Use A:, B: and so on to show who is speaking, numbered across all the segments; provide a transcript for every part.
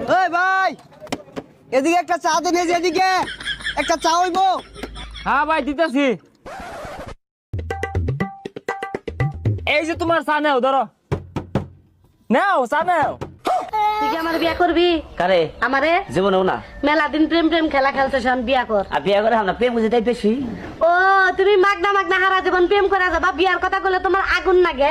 A: ওই ভাই, এদিকে একটা চা দেন, এদিকে একটা চা হইব।
B: হ্যাঁ ভাই দিতেছি। এই যে তোমার চা নেও, ধরো নাও চা নাও।
C: তুই কি আমার বিয়া করবি?
D: কারে?
C: আমারে
D: জীবনেও না।
C: মেলা দিন প্রেম প্রেম খেলা খেলতেছ, বিয়া কর।
D: আর বিয়া করে আমরা প্রেম বুঝে তাই বেশি।
C: ও তুমি মাগনা মাগনা হারা জীবন প্রেম করে যাবা, বিয়ার কথা বলে তোমার আগুন লাগে।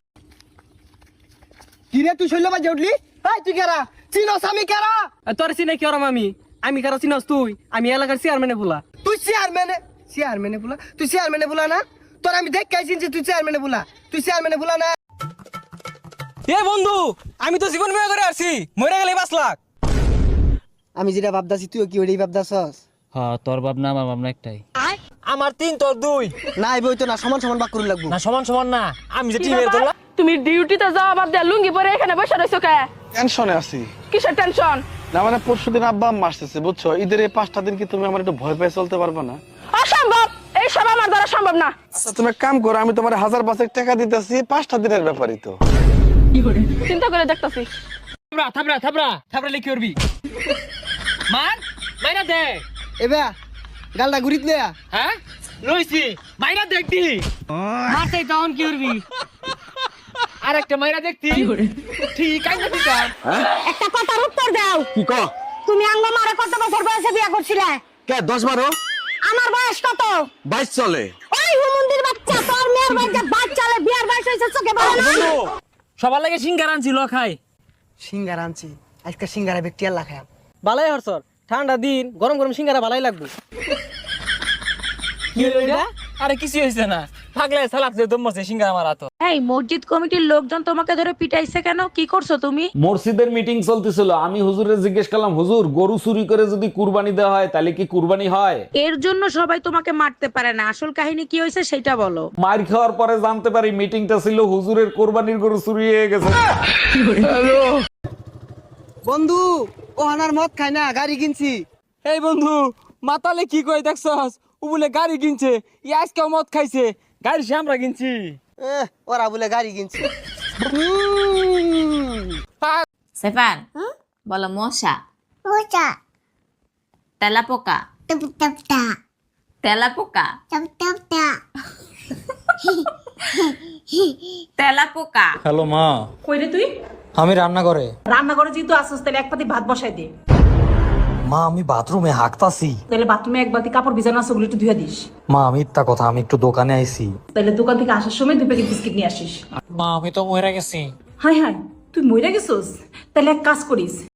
A: কি রে তুই শৈল বাজে উঠলি? ভাই তুই কেরা চিনস? আমি কেরা?
B: তোর চিনে কি ওরম? আমি কারো চিনস তুই? আমি এলাকার চেয়ারম্যানে বলা।
A: তুই চেয়ারম্যানে বলা? তুই চেয়ারম্যানে বলা না? তোর আমি দেখ কে চিনছি, তুই চেয়ারম্যানে বলা? তুই চেয়ারম্যানে বলা না?
B: এ বন্ধু, আমি তো জীবন বিমা করে আসছি, মরে গেলে 5 লাখ।
A: আমি যেটা ভাবদাছি তুইও কি ওইটাই ভাবদাছস?
E: হ্যাঁ, তোর ভাবনা আমার ভাবনা একটাই।
B: আমার 3 তোর 2
A: না এই বই তো না, সমান সমান বাক করে লাগবো।
B: না, সমান সমান না। আমি যে টিমের তোলা।
F: তুমি ডিউটিতে যাও, বাদ দিয়া লুঙ্গি পরে এখানে বসে রইছো কে?
G: টেনশনে আছি।
F: কিসের টেনশন?
G: না মানে পরশুদিন আব্বা আম্মা আসতেছে বুঝছো, ঈদের এই 5টা দিন কি তুমি আমার একটু ভয় পেয়ে চলতে পারবে না?
F: অসম্ভব, এই সব আমার দ্বারা সম্ভব না।
G: আচ্ছা তুমি এক কাম করো, আমি তোমার 1000 টাকা দিতেছি, 5টা দিনের ব্যাপারই তো।
F: চিন্তা করে দেখতেছি।
B: থাবড়া লিখি করবি। মাইনা দে।
A: এবে গালটা ঘুরিত নে।
B: হ্যাঁ লইছি, মাইনা দেখতি। মারতে তখন কি করবি? আরেকটা মাইনা দেখতি। ঠিক আইনা দিতাম।
C: একটা কথার উত্তর দাও।
G: কি ক?
C: তুমি আঙ্গ মারে কত বছর বয়সে বিয়া করছিলে?
G: কে 10-12?
C: আমার বয়স কত?
G: 22 চলে।
C: ওই হুমুন্দির বাচ্চা, তোর মেয়ের বয়সে বাচ্চালে বিয়ার বয়স হইছে চোখে বলে না?
B: বন্ধু, সবার লাগে সিঙ্গার আনছিল, খাই।
A: সিঙ্গারা আনছি, আজকে সিঙ্গারা ব্যক্তি আল্লাহ খায়।
B: বালাই হরসর, ঠান্ডা দিন গরম গরম সিঙ্গারা বালাই লাগবে। কি হইলো এটা? আরে কিছু হইছে না, পাগলে সালাক যে দম মারছে সিঙ্গারা মারা তো।
F: এই মসজিদ কমিটির লোকজন তোমাকে ধরে পিটাইছে কেন? কি করছো তুমি?
H: মসজিদের মিটিং চলতেছিল, আমি হুজুরে জিজ্ঞেস করলাম, হুজুর গরু চুরি করে যদি কুরবানি দেওয়া হয় তাহলে কি কুরবানি হয়?
F: এর জন্য সবাই তোমাকে মারতে পারে না, আসল কাহিনী কি হয়েছে সেটা বলো।
H: মার খাওয়ার পরে জানতে পারি মিটিংটা ছিল হুজুরের কোরবানির গরু চুরি হয়ে গেছে।
A: বন্ধু ও হানার মদ খায় না, গাড়ি কিনছি।
B: এই বন্ধু, মাতালে কি কই দেখছস? ও বলে গাড়ি কিনছে, ই আজকে মদ খাইছে, গাড়ি সে আমরা কিনছি।
A: ওরা বলে গাড়ি কিনছি।
I: সেফান বলো মশা
C: ওটা
I: তেলাপোকা
C: টপ টপ টা
I: তেলাপোকা
C: টপ টপ টা।
I: তেলাপোকা।
E: হ্যালো মা,
F: কই রে তুই?
E: আমি রান্না করে।
F: রান্না করে যেহেতু আসছিস, তাহলে এক পাতি ভাত বসাই দে।
E: মা আমি বাথরুমে হাঁকতাছি।
F: তাহলে বাথরুমে এক বাতি কাপড় ভিজানো আছে, ওগুলো একটু ধুয়ে দিস।
E: মা মিথ্যা কথা, আমি একটু দোকানে আইছি।
F: তাহলে দোকান থেকে আসার সময় 2 প্যাকেট বিস্কিট নিয়ে আসিস।
E: মা আমি তো মরে গেছি।
F: হাই হাই, তুই মইরা গেছিস? তাহলে এক কাজ করিস,